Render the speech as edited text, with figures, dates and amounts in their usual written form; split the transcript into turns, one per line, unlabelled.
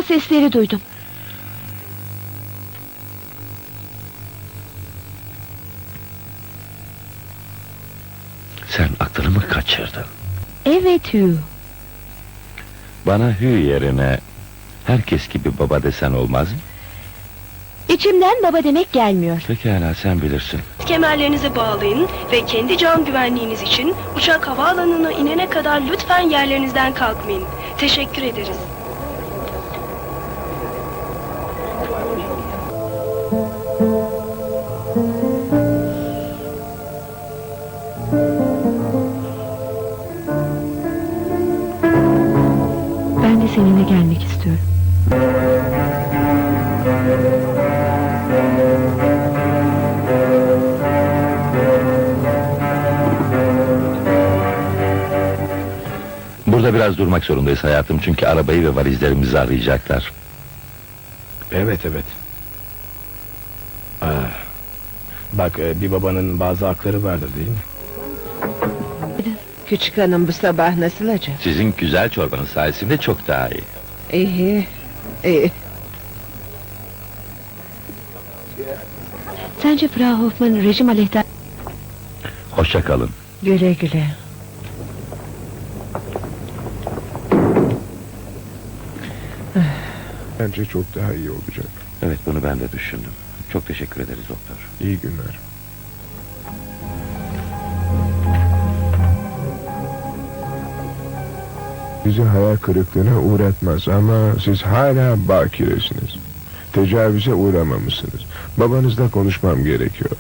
sesleri duydum.
Sen aklını mı kaçırdın?
Evet Hugh.
Bana Hugh yerine herkes gibi baba desen olmaz mı?
İçimden baba demek gelmiyor.
Pekala, sen bilirsin.
Kemerlerinizi bağlayın ve kendi can güvenliğiniz için uçak havaalanına inene kadar lütfen yerlerinizden kalkmayın. Teşekkür ederiz.
Ben de seninle gelmek istiyorum.
Burada biraz durmak zorundayız hayatım, çünkü arabayı ve valizlerimizi arayacaklar.
Evet. Bak, bir babanın bazı hakları vardır değil mi?
Küçük hanım bu sabah nasıl acaba?
Sizin güzel çorbanız sayesinde çok daha iyi.
İyi.
Sence Frau Hoffman rejim aleyhtar...
Hoşça kalın.
Güle güle.
Bence çok daha iyi olacak.
Evet, bunu ben de düşündüm. Çok teşekkür ederiz doktor.
İyi günler. Sizi hayal kırıklığına uğratmaz ama siz hala bakiresiniz. Tecavüze uğramamışsınız. Babanızla konuşmam gerekiyor.